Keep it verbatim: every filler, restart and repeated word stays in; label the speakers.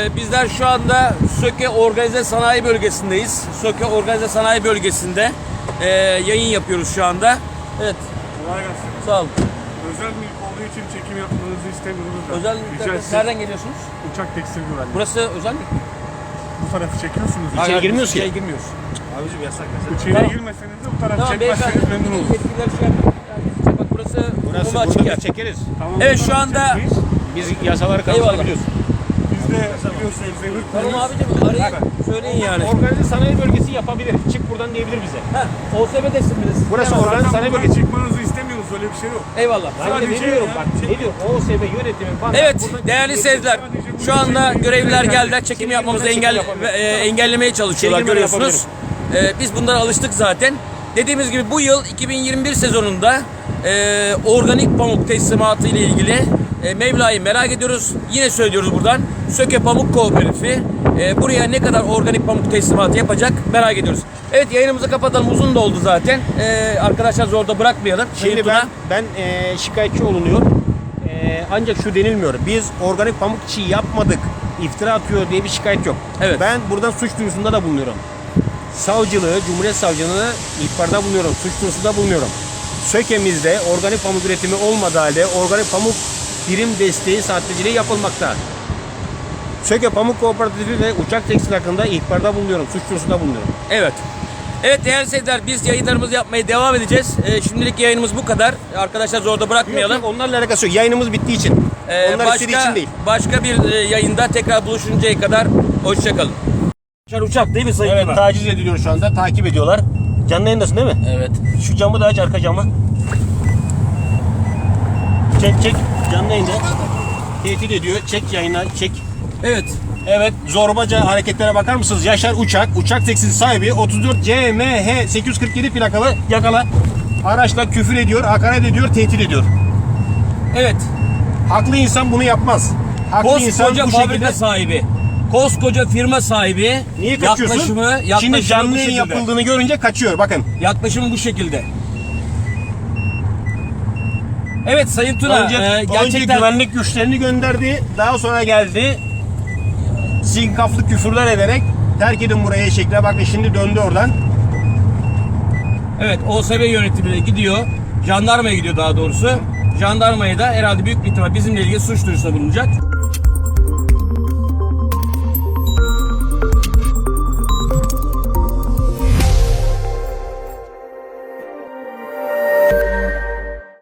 Speaker 1: bizler şu anda Söke Organize Sanayi Bölgesi'ndeyiz. Söke Organize Sanayi Bölgesi'nde e, yayın yapıyoruz şu anda. Evet.
Speaker 2: Kolay gelsin.
Speaker 1: Sağ olun.
Speaker 2: Özel mülk olduğu için çekim yapmanızı istemiyoruz da.
Speaker 1: Özel
Speaker 2: Rica etsek.
Speaker 1: nereden geliyorsunuz?
Speaker 2: Uçak tekstil güvenliği.
Speaker 1: Burası özel mi?
Speaker 2: Bu tarafı çekiyorsunuz.
Speaker 1: Hayır,
Speaker 2: İçeri
Speaker 1: girmiyoruz
Speaker 2: girmiyoruz
Speaker 1: ki. İçeri girmiyoruz.
Speaker 3: Abicim yasak yasak.
Speaker 2: İçeri
Speaker 1: Tamam.
Speaker 2: girmeseniz de bu tarafı
Speaker 1: Tamam
Speaker 2: çekmezseniz
Speaker 1: beyefendi.
Speaker 2: memnun oluruz.
Speaker 1: Yetkililer şey yapıyor. Yani, bak burası
Speaker 3: Burası
Speaker 1: umuma açık
Speaker 3: burada
Speaker 1: yer.
Speaker 3: biz çekeriz.
Speaker 2: Tamam,
Speaker 1: Evet,
Speaker 2: bu
Speaker 1: şu
Speaker 2: tarafı
Speaker 1: anda-
Speaker 2: çekmeyiz.
Speaker 3: Biz yasaları
Speaker 1: Eyvallah.
Speaker 3: karşılayabiliyoruz.
Speaker 2: Biz de biliyorsunuz devir
Speaker 1: Tamam abicim arayın. Söyleyin yani.
Speaker 3: Organize sanayi bölgesi yapabilir. Çık buradan diyebilir bize.
Speaker 1: Ha, O S B desin bir de siz.
Speaker 3: Burası
Speaker 1: Bilemez.
Speaker 3: organize
Speaker 2: Zaten
Speaker 3: sanayi
Speaker 2: buradan
Speaker 3: bölgesi.
Speaker 2: çıkmanızı istemiyoruz, öyle bir şey yok.
Speaker 1: Eyvallah.
Speaker 3: Ben de
Speaker 2: Sadece
Speaker 3: demiyorum
Speaker 2: ya,
Speaker 3: bak.
Speaker 2: çek-
Speaker 3: Ne diyor? O S B yönetimi bana.
Speaker 1: Evet
Speaker 3: buradan
Speaker 1: değerli
Speaker 3: çek-
Speaker 1: seyirciler, şu anda görevliler geldiler, çekim yapmamızı engel ve, e, engellemeye çalışıyorlar,
Speaker 3: Çekimleri
Speaker 1: görüyorsunuz. E, biz bunlara alıştık zaten. Dediğimiz gibi bu yıl iki bin yirmi bir sezonunda e, organik pamuk teslimatı ile ilgili e, Mevla'yı merak ediyoruz. Yine söylüyoruz buradan. Söke Pamuk Kooperatifi e, buraya ne kadar organik pamuk teslimatı yapacak merak ediyoruz. Evet, yayınımızı kapatalım, uzun da oldu zaten. E, arkadaşlar zorda bırakmayalım.
Speaker 3: Şimdi
Speaker 1: Sayın
Speaker 3: ben
Speaker 1: Tuna.
Speaker 3: ben e, şikayetçi olunuyor. E, ancak şu denilmiyor. Biz organik pamuk çiğ yapmadık. İftira atıyor diye bir şikayet yok.
Speaker 1: Evet.
Speaker 3: Ben buradan suç duyurusunda da bulunuyorum. Savcılığı, Cumhuriyet Savcılığı'na ihbarda bulunuyorum. Suç duyurusunda bulunuyorum. Söke'mizde organik pamuk üretimi olmadığı halde organik pamuk birim desteği sahteciliği yapılmakta. Söke Pamuk Kooperatifi ve Uçak Tekstil hakkında ihbarda bulunuyorum. Suç duyurusunda bulunuyorum.
Speaker 1: Evet. Evet değerli seyirciler, biz yayınlarımızı yapmaya devam edeceğiz. Ee, şimdilik yayınımız bu kadar. Arkadaşlar zorda bırakmayalım.
Speaker 3: Yok, yok, onlarla alakası yok. Yayınımız bittiği için.
Speaker 1: Ee,
Speaker 3: Onlar istediği
Speaker 1: başka,
Speaker 3: için değil.
Speaker 1: başka bir e, yayında tekrar buluşuncaya kadar hoşçakalın. Uçak değil mi Sayın
Speaker 3: Evet,
Speaker 1: Tuna?
Speaker 3: taciz ediliyor şu anda. Takip ediyorlar. Canlı yayındasın değil mi?
Speaker 1: Evet.
Speaker 3: Şu camı da aç, arka camı. Çek çek. Canlı yayında. Tehdit ediyor. Çek yayına, çek.
Speaker 1: Evet.
Speaker 3: Evet, zorbaca hareketlere bakar mısınız? Yaşar Uçak, Uçak Tekstil sahibi otuz dört C M H sekiz yüz kırk yedi plakalı yakala. Araçla küfür ediyor, hakaret ediyor, tehdit ediyor.
Speaker 1: Evet.
Speaker 3: Haklı insan bunu yapmaz. Haklı insan
Speaker 1: Koskoca
Speaker 3: bu
Speaker 1: fabrika
Speaker 3: şekilde...
Speaker 1: sahibi. Koskoca firma sahibi.
Speaker 3: Niye kaçıyorsun?
Speaker 1: Yaklaşımı, yaklaşımı
Speaker 3: Şimdi canlı
Speaker 1: bu
Speaker 3: yayın
Speaker 1: şekilde.
Speaker 3: yapıldığını görünce kaçıyor, bakın.
Speaker 1: Yaklaşımı bu şekilde. Evet Sayın Tuna,
Speaker 3: Önce,
Speaker 1: e,
Speaker 3: önce
Speaker 1: gerçekten
Speaker 3: güvenlik güçlerini gönderdi, daha sonra geldi. Sinkaflı küfürler ederek terk edin burayı şekle, bakın şimdi döndü oradan.
Speaker 1: evet O S B yönetimine gidiyor. Jandarmaya gidiyor daha doğrusu. Jandarmaya da herhalde büyük bir ihtimal bizimle ilgili suç duyurusunda bulunacak.